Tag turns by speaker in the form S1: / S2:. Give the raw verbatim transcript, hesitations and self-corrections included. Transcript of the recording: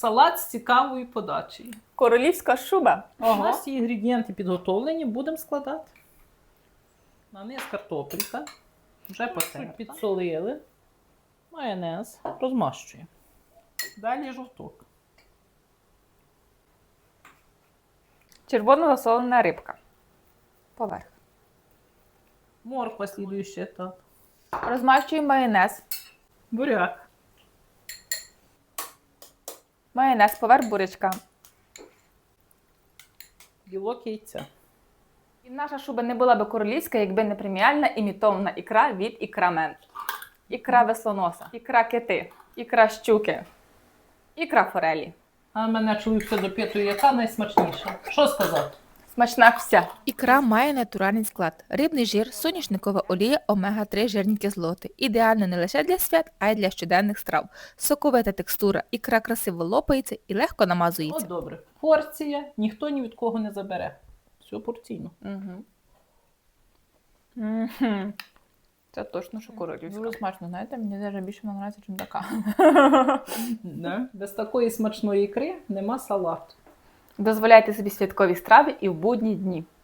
S1: Салат з цікавою подачею.
S2: Королівська шуба.
S1: У нас інгредієнти підготовлені, будемо складати. На низ картопелька. Вже потерли. Підсолили. Майонез. Розмащуємо. Далі жовток.
S2: Червоно засолена рибка. Поверх.
S1: Морква, слідуючий етап.
S2: Розмащуємо майонез.
S1: Буряк.
S2: Майонез поверх бурячка.
S1: Білок яйця.
S2: І наша шуба не була би королівська, якби не преміальна імітована ікра від ікрамен. Ікра веслоноса, ікра кити, ікра щуки, ікра форелі.
S1: А мене чоловік все допитує, яка найсмачніша. Що сказати?
S2: Смачна вся.
S3: Ікра має натуральний склад. Рибний жир, соняшникова олія, омега три жирні кислоти. Ідеально не лише для свят, а й для щоденних страв. Соковита текстура, ікра красиво лопається і легко намазується.
S1: От добре. Порція ніхто ні від кого не забере. Все порційно.
S2: Угу. Угу. Це точно, що королівська. Дуже смачно, знаєте, мені навіть більше подобається, ніж така.
S1: Да? Без такої смачної ікри нема салату.
S2: Дозволяйте собі святкові страви і в будні дні.